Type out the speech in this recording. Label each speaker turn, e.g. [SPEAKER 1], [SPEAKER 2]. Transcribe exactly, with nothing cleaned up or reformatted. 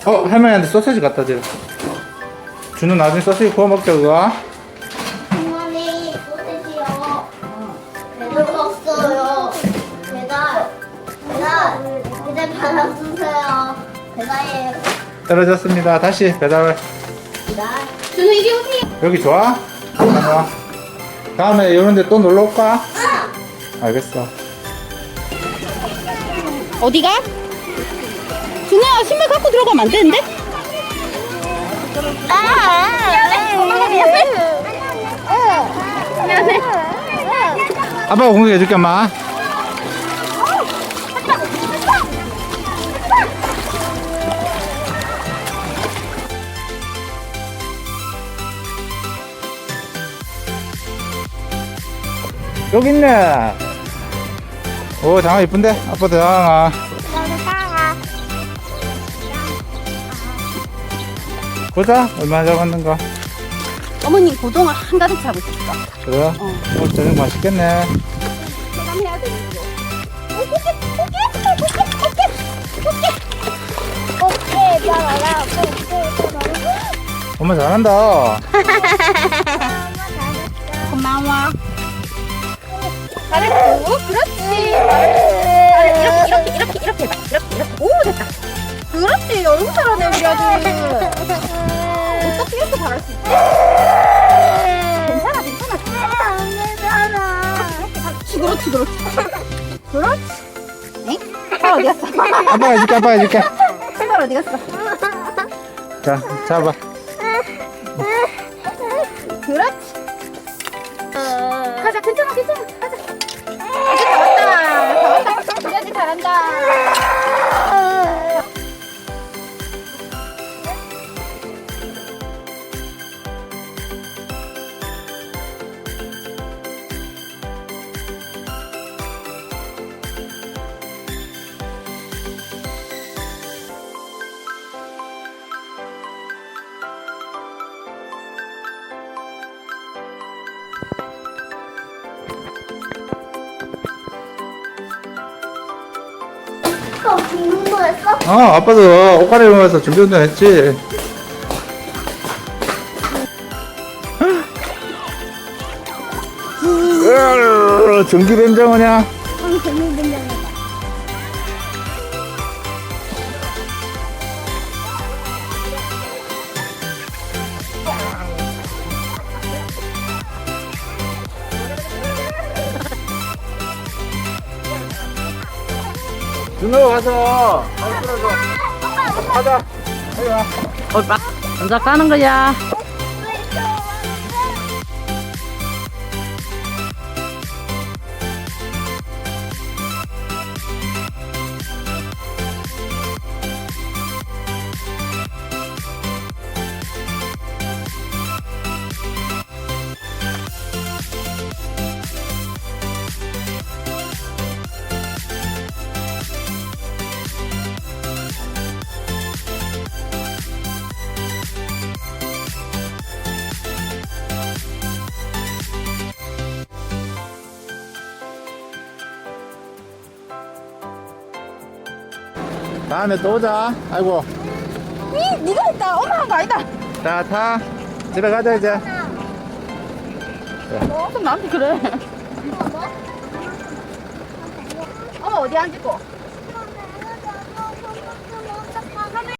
[SPEAKER 1] 어, 할머니한테 소세지 갖다 줘. 준우 나중에 소세지 구워 먹자, 그거.
[SPEAKER 2] 할머니 소세지요. 배달 왔어요. 배달. 배달. 배달 받아주세요. 배달이에요.
[SPEAKER 1] 떨어졌습니다. 다시 배달.
[SPEAKER 2] 배달. 준우 이리 오세요.
[SPEAKER 1] 여기 좋아? 다녀와. 다음에 이런 데 또 놀러 올까? 알겠어.
[SPEAKER 3] 어디가? 준우야 신발 갖고 들어가면 안 되는데?
[SPEAKER 2] 미안해. 미안해. 미안해.
[SPEAKER 1] 아빠가 공격해줄게, 엄마. 여기 있네. 오, 장아 이쁜데? 아빠도 장아.
[SPEAKER 2] 나도 따라.
[SPEAKER 1] 보자, 얼마나 잡았는가.
[SPEAKER 3] 어머님 고동을 한가득 잡고 있어.
[SPEAKER 1] 그래?
[SPEAKER 3] 어.
[SPEAKER 1] 오늘 저녁 맛있겠네.
[SPEAKER 3] 해야 되는데.
[SPEAKER 2] 오케이, 따라라.
[SPEAKER 1] 엄마 잘한다.
[SPEAKER 3] 고마워. 잘했고. 그렇지. 잘했어. 이렇게 이렇게 이렇게 이렇게 해봐. 이렇게 이렇게. 오 됐다. 그렇지. 얼굴 잘하네 우리 아들. 어떻게 이렇게 잘할 수 있지? 괜찮아 괜찮아. 그렇지 그렇지 그렇지. 그렇지. 응? 팔 어디 갔어?
[SPEAKER 1] 아빠가 해줄게, 아빠가 해줄게.
[SPEAKER 3] 팔 어디 갔어?
[SPEAKER 1] 자, 잡아.
[SPEAKER 3] 그렇지. 가자 괜찮아 괜찮아 가자. 아직 다 왔다. 다 왔다. 우리 아들 잘한다.
[SPEAKER 2] 어, 죽는 거였어?
[SPEAKER 1] 어, 아빠도 옷 갈아입으면서 준비 운동 했지. 으아, 전기된장어냐?
[SPEAKER 2] 응, 재밌는 장이다.
[SPEAKER 1] 준호 가서 발 풀어줘. 가자. 여기 와.
[SPEAKER 3] 오빠 먼저 까는 거야.
[SPEAKER 1] 다음에 또 오자. 아이고.
[SPEAKER 3] 이 네가 했다. 엄마 한 거 아니다.
[SPEAKER 1] 자, 타. 집에 가자, 이제.
[SPEAKER 3] 어, 그럼 나한테 그래. 엄마 어디 앉고?